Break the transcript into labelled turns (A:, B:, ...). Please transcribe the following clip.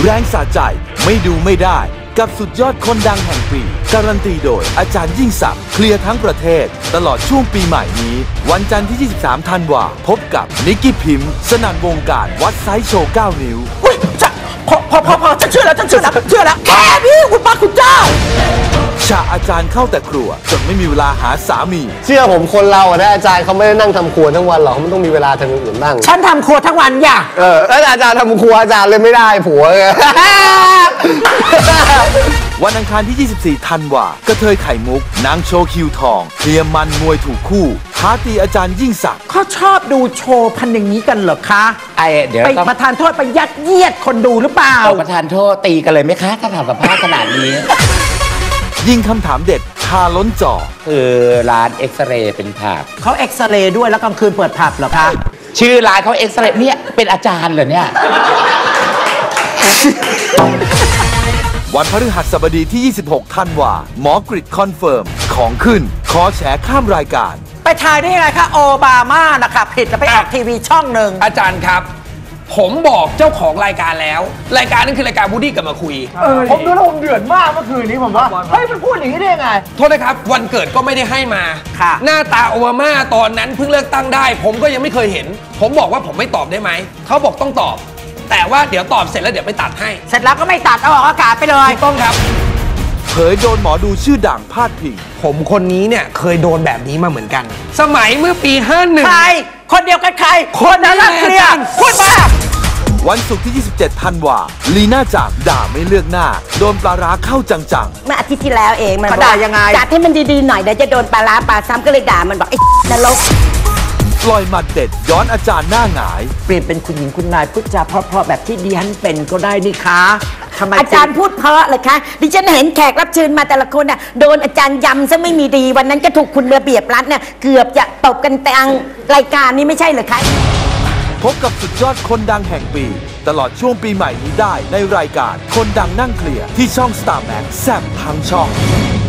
A: แรงสะใจไม่ดูไม่ได้กับสุดยอดคนดังแห่งปีการันตีโดยอาจารย์ยิ่งศักดิ์เคลียร์ทั้งประเทศตลอดช่วงปีใหม่นี้วันจันทร์ที่ 23 ธันวาพบกับนิกกี้พิมพ์สนั่นวงการวัดไซส์โชว์ 9 นิ้ว
B: พอฉันเชื่อแล้วแค่นี้คุณพระคุณเจ้า
A: ฉากอาจารย์เข้าแต่ครัวจนไม่มีเวลาหาสามี
C: เชื่อผมคนเราอะนะอาจารย์เขาไม่ได้นั่งทำครัวทั้งวันหรอกเขาต้องมีเวลาทำอย่างอื่นบ้าง
B: ฉันทำครัวทั้งวันอย่า
C: แล้วอาจารย์ทำครัวอาจารย์เลยไม่ได้ผัวไง
A: วันอังคารที่ 24 ธันวากระเทยไข่มุกนางโชว์คิวทองเคลียร์มันมวยถูกคู่ท้าตีอาจารย์ยิ่งศักดิ์
B: เขาชอบดูโชว์พันอย่างนี้กันเหรอคะ
D: เดี๋ยว
B: ไปประทานโทษไปยัดเยียดคนดูหรือเปล่า
D: ประทานโทษตีกันเลยไหมคะถ้าทำกับผ้าขนาดนี้
A: ยิงคำถามเด็ดคาล้นจอ
D: คือร้านเอ็กซเรย์เป็นผับ
B: เขาเอ็กซเรย์ด้วยแล้วกลางคืนเปิดผับเหรอคะ
D: ชื่อร้านเขาเอ็กซเรย์เนี่ยเป็นอาจารย์เหรอเนี่ย
A: วันพฤหัสบดีที่ 26 ธันวาหมอกริดคอนเฟิร์มของขึ้นขอแฉข้ามรายการ
B: ไปทายได้ยังไงคะโอบามานะคะผิดจะไปออกทีวีช่องหนึ่ง
E: อาจารย์ครับผมบอกเจ้าของรายการแล้วรายการนั้นคือรายการวูดดี้กับมาคุย
B: ผมดูแล้วผมเดือดมากเมื่อคืนนี้ผมว่าเฮ้ยมันพูดอย่างนี้ได้ยังไง
E: โทษนะครับวันเกิดก็ไม่ได้ให้มาหน้าตาโอบามาตอนนั้นเพิ่งเลือกตั้งได้ผมก็ยังไม่เคยเห็นผมบอกว่าผมไม่ตอบได้ไหมเขาบอกต้องตอบแต่ว่าเดี๋ยวตอบเสร็จแล้วเดี๋ยวไปตัดให้
B: เสร็จแล้วก็ไม่ตัดเอาออกอากาศไปเลย
E: ต้องครับ
A: เผยโดนหมอดูชื่อดังพาดพิง
E: ผมคนนี้เนี่ยเคยโดนแบบนี้มาเหมือนกันสมัยเมื่อปี51
B: ใครคนเดียวกันใครคนนั้นเคลียร์พูดมา
A: วันศุกร์ที่ 27 ธันวาลีน่าจักรด่าไม่เลือกหน้าโดนปลาร้าเข้าจัง
F: ๆเมื่ออาทิตย์ที่แล้วเองมัน
B: ด่ายังไง
F: จัดให้มันดีๆหน่อยเดี๋ยวจะโดนปลาร้าปลาซ้ำก็เลยด่ามันบอกไอ้นรก
A: ปล่อยหมัดเด็ดย้อนอาจารย์หน้าหงาย
B: เปลี่ยนเป็นคุณหญิงคุณนายพูดจาเพราะๆแบบที่ดิฉันเป็นก็ได้นี่คะ
F: อาจารย์พูดเพราะเลยคะดิฉันเห็นแขกรับเชิญมาแต่ละคนน่ะโดนอาจารย์ยำซะไม่มีดีวันนั้นก็ถูกคุณระเบียบรัฐเนี่ยเกือบจะตบกันกลางรายการนี้ไม่ใช่เหรอคะ
A: พบกับสุดยอดคนดังแห่งปีตลอดช่วงปีใหม่นี้ได้ในรายการคนดังนั่งเคลียร์ที่ช่อง Star Max แซ่บทั้งช่อง